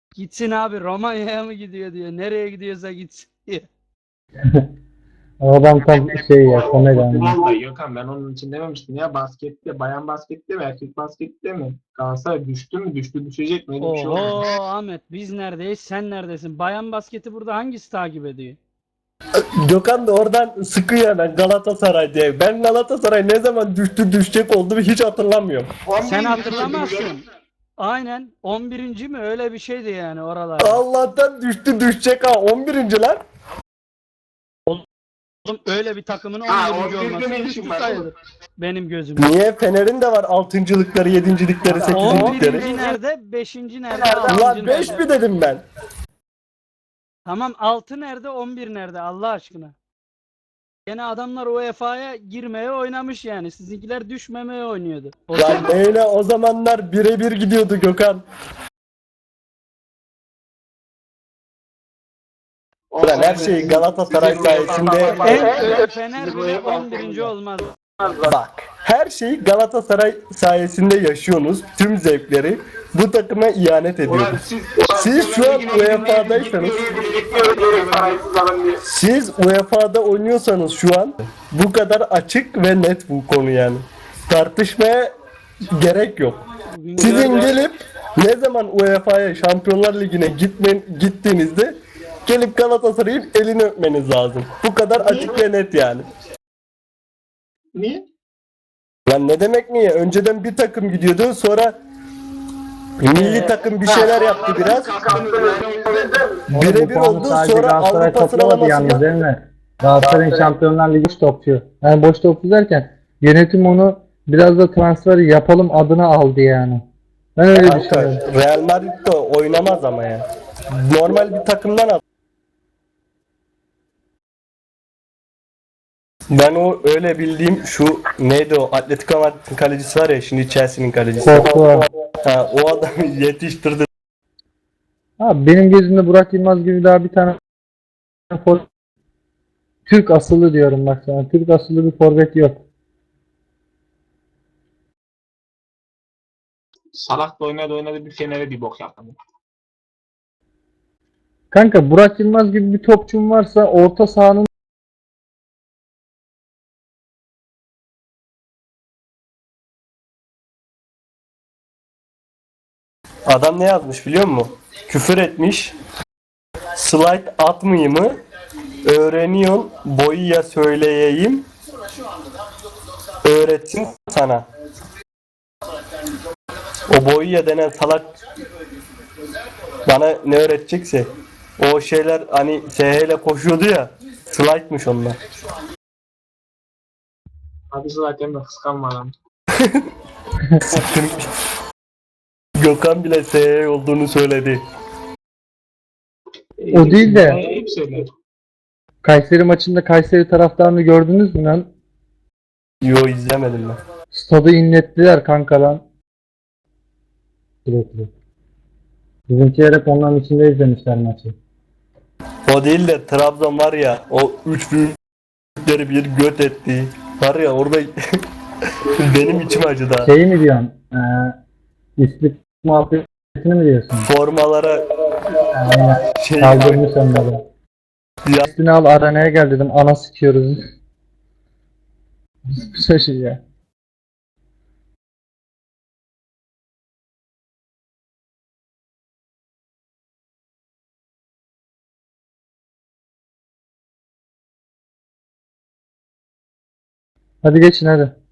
Gitsin abi, Romanya'ya mı gidiyor diyor. Nereye gidiyorsa gitsin diyor. O adam tam şey ya, komedi anlamı. Futbolda Gökhan, ben onun için dememiştim ya, baskette, bayan baskette mi erkek baskette mi? Galatasaray düştü mü, düştü, düşecek mi, öyle bir şey olmadı. Oho Ahmet, biz neredeyiz, sen neredesin? Bayan basketi burada hangisi takip ediyor? Gökhan da oradan sıkıyor hemen Galatasaray diye. Ben Galatasaray ne zaman düştü düşecek olduğunu hiç hatırlamıyorum. Sen hatırlamazsın. Aynen 11. mi öyle bir şeydi yani oralar. Allah'tan düştü düşecek ha, 11. lan. Oğlum öyle bir takımın Ha, 11. 11'de olması ne düştü işin var sayılır. oğlum? Benim gözümde. Niye? Fener'in de var 6.lıkları, 7.likleri, 8.likleri. 11. nerede? 5. nerede? Ulan 6. 5 nerede? mi dedim ben? Tamam 6 nerede? 11 nerede? Allah aşkına. Gene adamlar UEFA'ya girmeye oynamış yani. Sizinkiler düşmemeye oynuyordu. Lan neyle o zamanlar birebir gidiyordu Gökhan. Ulan her şey Galatasaray sayesinde. En Fener bile 11. olmaz. Bak, her şeyi Galatasaray sayesinde yaşıyorsunuz. Tüm zevkleri bu takıma ihanet Ulan ediyoruz. Siz şu an UEFA'daysanız, siz UEFA'da oynuyorsanız şu an bu kadar açık ve net bu konu yani. Tartışmaya gerek yok. Bugün Sizin gördüm. gelip ne zaman UEFA'ya, Şampiyonlar Ligi'ne gittiğinizde gelip Galatasaray'ın elini öpmeniz lazım. Bu kadar açık ve net yani. Niye? Lan ne demek niye? Önceden bir takım gidiyordu, sonra milli takım bir şeyler yaptı biraz. Birebir Bu puanı oldu, sadece sonra Galatasaray Avrupa toplamadı yalnız sıralamasında. değil mi? Galatasaray'ın Şampiyonlar Ligi boş topçu. Yani boş topçu derken yönetim onu biraz da transfer yapalım adına aldı yani. Ben öyle Kanka, düşünüyorum. Real Madrid de oynamaz ama ya. Normal bir takımdan al. Ben o öyle bildiğim şu neydi o Atletico Madrid'in kalecisi var ya, şimdi Chelsea'nin kalecisi. Korktu. Ha, o adamı yetiştirdi. Abi benim gözümde Burak Yılmaz gibi daha bir tane Türk asıllı diyorum bak sana. Türk asıllı bir forvet yok. Salak da oynadı bir Fener'e bir bok yaptı. Kanka Burak Yılmaz gibi bir topçum varsa orta sahanın Adam ne yazmış biliyor musun? Küfür etmiş. Slide atmayayım mı? Öğreniyorsun. Boyu ya söyleyeyim. Öğretsin sana. O boyu ya denen salak bana ne öğretecekse. O şeyler hani SH ile koşuyordu ya. Slide'mış onlar. Hadi zaten de kıskanma lan. Gökhan bile SH olduğunu söyledi. O değil de- Hep söyler. Kayseri maçında Kayseri taraftarını gördünüz mü lan? Yo, izlemedim ben. Stadı inlettiler kanka lan. Sürekli. Bizimkiler hep onların içinde izlemişler maçı. O değil de Trabzon var ya, o 3 büyükleri bir göt etti. Var ya orada benim içim acıdı ha. Şeyi mi diyorsun? İslik muhabbetini mi diyorsun? Formalara şey Kaldırmış onları. ya, Üstüne al arenaya gel dedim. Ana sikiyoruz. Bir şey ya. Hadi geçin hadi.